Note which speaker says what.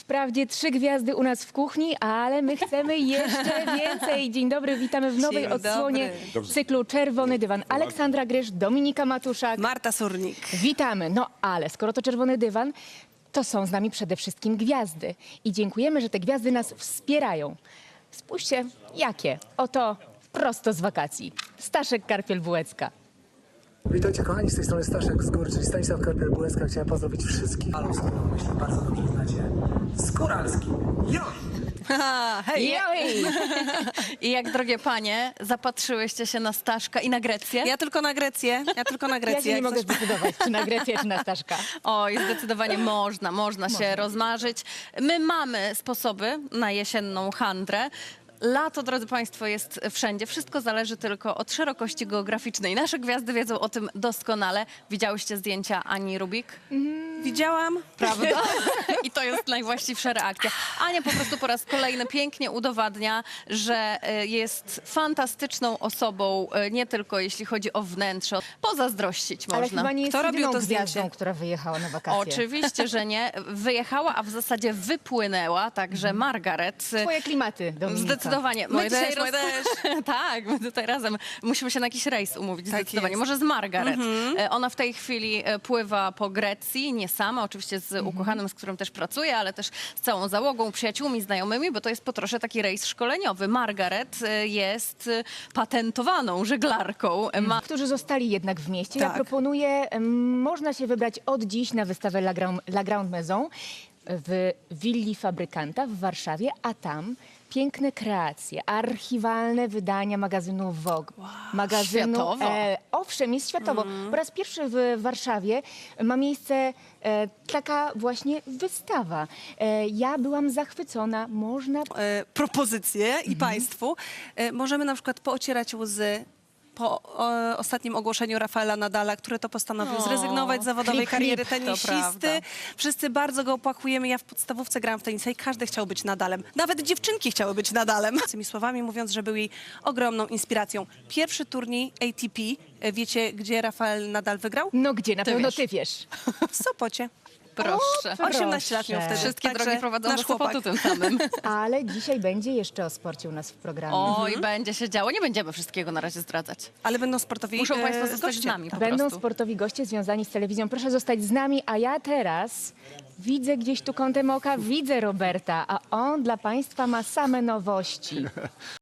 Speaker 1: Wprawdzie 3 gwiazdy u nas w kuchni, ale my chcemy jeszcze więcej. Dzień dobry, witamy w nowej
Speaker 2: Dzień
Speaker 1: odsłonie
Speaker 2: dobry.
Speaker 1: cyklu Czerwony Dywan. Aleksandra Grysz, Dominika Matuszak.
Speaker 2: Marta Surnik.
Speaker 1: Witamy. No ale skoro to Czerwony Dywan, to są z nami przede wszystkim gwiazdy. I dziękujemy, że te gwiazdy nas wspierają. Spójrzcie, jakie. Oto prosto z wakacji. Staszek Karpiel-Bułecka.
Speaker 3: Witajcie kochani, z tej strony Staszek z góry, czyli Stanisław Karpiel-Bułecka. Chciałem pozdrowić wszystkich. Ale myślę, bardzo dobrze znacie. Skóralski.
Speaker 2: Hej!
Speaker 1: Joj!
Speaker 4: I jak, drogie panie, zapatrzyłyście się na Staszka i na Grecję?
Speaker 2: Ja tylko na Grecję.
Speaker 1: Ja się nie mogę zdecydować, czy na Grecję, czy na Staszka.
Speaker 4: Oj, zdecydowanie można się rozmarzyć. My mamy sposoby na jesienną handrę. Lato, drodzy państwo, jest wszędzie. Wszystko zależy tylko od szerokości geograficznej. Nasze gwiazdy wiedzą o tym doskonale. Widziałyście zdjęcia Ani Rubik?
Speaker 2: Widziałam.
Speaker 4: Prawda? I to jest najwłaściwsza reakcja. Ania po prostu po raz kolejny pięknie udowadnia, że jest fantastyczną osobą, nie tylko jeśli chodzi o wnętrze. Pozazdrościć
Speaker 1: Ale
Speaker 4: można.
Speaker 1: chyba nie jest
Speaker 2: Kto robił
Speaker 1: jedyną
Speaker 2: to
Speaker 1: gwiazdą,
Speaker 2: zdjęcie?
Speaker 1: która wyjechała na wakacje.
Speaker 4: Oczywiście, że nie. Wyjechała, a w zasadzie wypłynęła, także Margaret.
Speaker 1: Twoje klimaty, Dominika.
Speaker 4: Zdecydowanie.
Speaker 2: Moje też, moje
Speaker 4: Tak, my tutaj razem musimy się na jakiś rejs umówić,
Speaker 2: Tak
Speaker 4: zdecydowanie.
Speaker 2: jest.
Speaker 4: Może z Margaret. Ona w tej chwili pływa po Grecji, nie sama, oczywiście z ukochanym, z którym też pracuje, ale też z całą załogą, przyjaciółmi, znajomymi, bo to jest po trosze taki rejs szkoleniowy. Margaret jest patentowaną żeglarką.
Speaker 1: Którzy zostali jednak w mieście. Ja
Speaker 2: Tak.
Speaker 1: proponuję, można się wybrać od dziś na wystawę La Grande Maison w Willi Fabrykanta w Warszawie, a tam piękne kreacje, archiwalne wydania magazynu Vogue.
Speaker 4: Światowo.
Speaker 1: Owszem, jest światowo. Po raz pierwszy w Warszawie ma miejsce taka właśnie wystawa. Ja byłam zachwycona. Można
Speaker 2: Propozycje i państwu. Możemy na przykład poocierać łzy po ostatnim ogłoszeniu Rafaela Nadala, który to postanowił zrezygnować z zawodowej
Speaker 1: Klip,
Speaker 2: kariery
Speaker 1: klip,
Speaker 4: to
Speaker 2: tenisisty.
Speaker 4: prawda.
Speaker 2: Wszyscy bardzo go opłakujemy. Ja w podstawówce grałam w tenisa i każdy chciał być Nadalem. Nawet dziewczynki chciały być Nadalem. Tymi słowami mówiąc, że był jej ogromną inspiracją. Pierwszy turniej ATP, wiecie, gdzie Rafael Nadal wygrał?
Speaker 1: No gdzie? Na
Speaker 4: Ty
Speaker 1: pewno
Speaker 4: wiesz.
Speaker 1: ty wiesz.
Speaker 2: W Sopocie.
Speaker 4: Proszę.
Speaker 2: 18 lat miał
Speaker 1: Proszę.
Speaker 2: wtedy.
Speaker 4: Wszystkie
Speaker 2: Także
Speaker 4: drogi prowadzą do
Speaker 2: nasz chłopak.
Speaker 4: Sopotu tym samym.
Speaker 1: Ale dzisiaj będzie jeszcze o sporcie u nas w programie.
Speaker 4: Oj, będzie się działo. Nie będziemy wszystkiego na razie zdradzać.
Speaker 2: Ale będą sportowi
Speaker 4: Muszą państwo zostać
Speaker 2: goście.
Speaker 4: z nami po
Speaker 1: Będą
Speaker 4: prostu.
Speaker 1: sportowi goście związani z telewizją. Proszę zostać z nami, a ja teraz widzę gdzieś tu kątem oka, widzę Roberta, a on dla państwa ma same nowości.